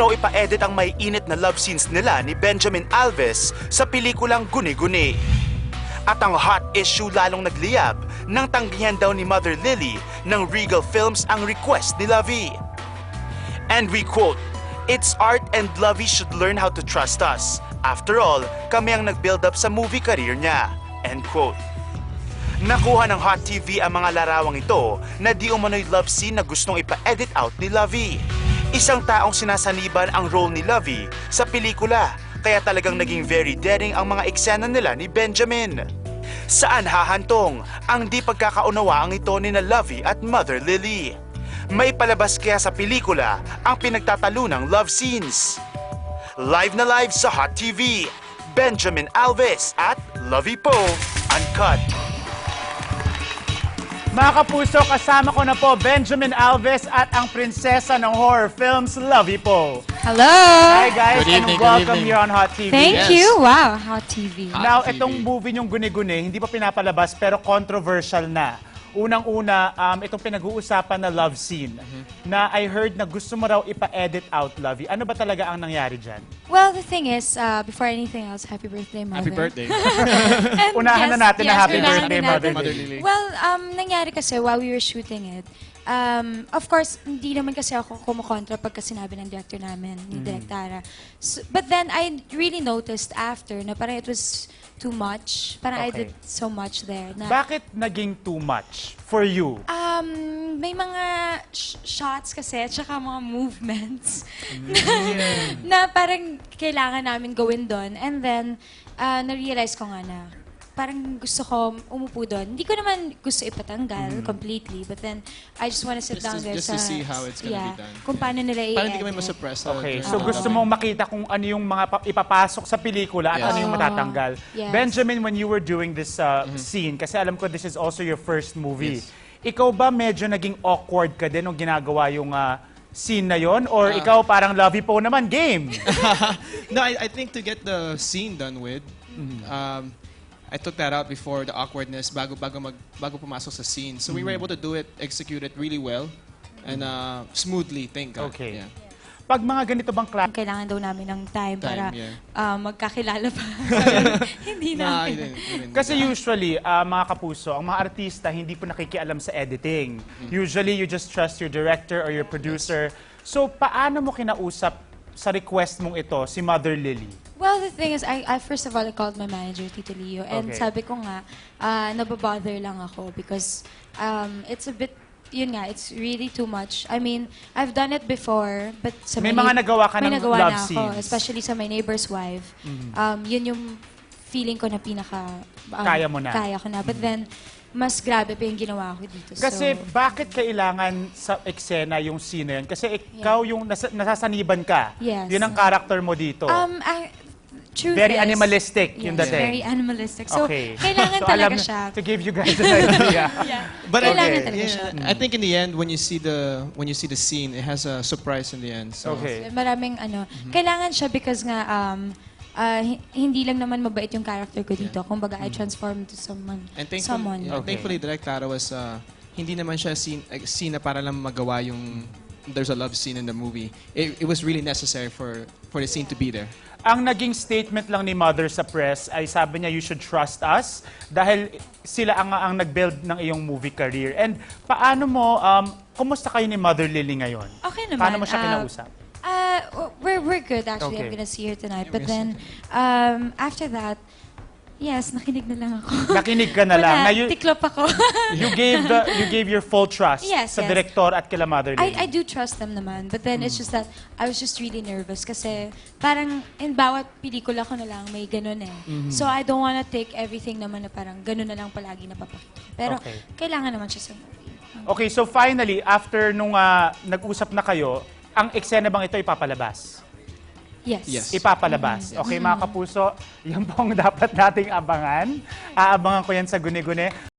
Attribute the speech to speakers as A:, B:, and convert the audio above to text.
A: raw ipa-edit ang may init na love scenes nila ni Benjamin Alves sa pelikulang Guni-Guni. At ang hot issue lalong nagliyab nang tanggihan daw ni Mother Lily ng Regal Films ang request ni Lovie. And we quote, "It's art and Lovie should learn how to trust us. After all, kami ang nag-build up sa movie career niya." End quote. Nakuha ng Hot TV ang mga larawang ito na di umano'y love scene na gustong ipa-edit out ni Lovie. Isang taong sinasaniban ang role ni Lovie sa pelikula, kaya talagang naging very daring ang mga eksena nila ni Benjamin. Saan hahantong ang di pagkakaunawaang ito ni na Lovie at Mother Lily? May palabas kaya sa pelikula ang pinagtatalunang love scenes? Live na live sa Hot TV, Benjamin Alves at Lovie Poe, Uncut.
B: Mga kapuso, kasama ko na po Benjamin Alves at ang prinsesa ng horror films, Lovie Poe.
C: Hello!
B: Hi guys,
D: Good evening,
B: and
D: good
B: welcome
D: evening.
B: here on Hot TV.
C: Thank
D: Yes.
C: you! Wow, Hot TV.
B: Now,
D: Hot TV.
B: itong movie niyong Guni-Guni, hindi pa pinapalabas pero controversial na. Unang-una, itong pinag-uusapan na love scene na I heard na gusto mo raw ipa-edit out, Lovie. Ano ba talaga ang nangyari dyan?
C: Well, the thing is, before anything else, happy birthday, Mother.
D: Happy birthday.
C: And
B: Unahan na natin na happy
C: unahan
B: birthday,
C: na
B: Mother
C: natin.
D: Lily.
C: Well, nangyari kasi while we were shooting it, of course, hindi naman kasi ako kumukontra pagka sinabi ng director namin, ni Direk Tara. So, but then, I really noticed after na parang it was too much. Parang I
B: Okay.
C: did so much there. Na,
B: Bakit naging too much for you?
C: may mga shots kasi, tsaka mga movements na parang kailangan namin gawin doon. And then, na-realize ko nga na parang gusto ko umupo doon. Hindi ko naman gusto ipatanggal completely, but then I just want to sit down there
D: just to see how it's gonna be done.
C: Kung paano nila i-edit.
D: Parang hindi kami masuppress.
B: Okay, so gusto mong makita kung ano yung mga ipapasok sa pelikula at
D: Yes.
B: ano yung matatanggal.
C: Yes.
B: Benjamin, when you were doing this scene, kasi alam ko this is also your first movie,
D: Yes.
B: ikaw ba medyo naging awkward ka din nung ginagawa yung scene na yon? Or ikaw parang Lovie Poe naman, game?
D: No, I think to get the scene done with, I took that out before the awkwardness bago pumasok sa scene. So we were able to do it, execute it really well and smoothly, thank God.
B: Okay.
D: Yeah.
B: Pag mga ganito bang klase,
C: Kailangan daw namin ng time para
D: yeah.
C: magkakilala pa. Hindi
D: Nah,
C: namin.
D: you didn't
B: kasi
D: do that.
B: usually, mga kapuso, ang mga artista hindi po nakikialam sa editing. Usually, you just trust your director or your producer. So, paano mo kinausap sa request mong ito si Mother Lily?
C: Well, the thing is, I first of all, I called my manager, Tito Leo, and
B: Okay.
C: sabi ko nga, nababother lang ako because it's a bit, yun nga, it's really too much. I mean, I've done it before, but sa
B: May mga nagawa ka
C: may
B: ng
C: nagawa
B: love
C: na ako,
B: scenes.
C: especially sa My Neighbor's Wife. Yun yung feeling ko na pinaka...
B: Kaya mo na.
C: Kaya ko na. But then, mas grabe pa yung ginawa ko dito.
B: Kasi
C: so,
B: bakit kailangan sa eksena yung scene na yun? Kasi ikaw yung nasasaniban ka.
C: Yes.
B: Yun ang character mo dito.
C: truth
B: Very
C: is-
B: animalistic yung
C: Yes,
B: dating.
C: very animalistic. So,
B: Okay.
C: kailangan
B: So,
C: talaga
B: alam-
C: siya.
B: To give you guys an idea.
D: But
C: Kailangan
B: Okay.
C: talaga siya.
D: I think in the end, when you see the scene, it has a surprise in the end. So
B: Okay.
C: Maraming kailangan siya because nga hindi lang naman mabait yung character ko dito. Kumbaga, I transform into someone.
D: And thankfully,
C: someone.
D: yeah, thankfully Direk Tara was hindi naman siya scene na para lang magawa yung there's a love scene in the movie. It was really necessary for the scene to be there.
B: Ang naging statement lang ni Mother sa press ay sabi niya, you should trust us dahil sila ang nag-build ng iyong movie career. And paano mo, kumusta kayo ni Mother Lily ngayon?
C: Okay naman.
B: Paano mo siya kinausap?
C: We're good actually.
B: Okay.
C: I'm gonna see her tonight.
D: Yeah,
C: But
D: we're
C: then, after that, yes, nakinig na lang ako.
B: Nakinig ka na lang.
C: Wala,
B: Na you,
C: tiklop ako.
B: you gave your full trust
C: Yes,
B: sa
C: yes.
B: direktor at kila Mother Lily.
C: I do trust them naman. But then, it's just that I was just really nervous kasi parang in bawat pelikula ko na lang may ganun eh. So I don't wanna take everything naman na parang ganun na lang palagi napapakita. Pero
B: Okay.
C: kailangan naman siya sa movie.
B: Okay, so finally, after nung nag-usap na kayo, ang eksena bang ito ipapalabas?
C: Yes.
D: Yes.
B: Ipapalabas. Okay, mga kapuso, yan po ang dapat nating abangan. Aabangan ko yan sa Guni-Guni.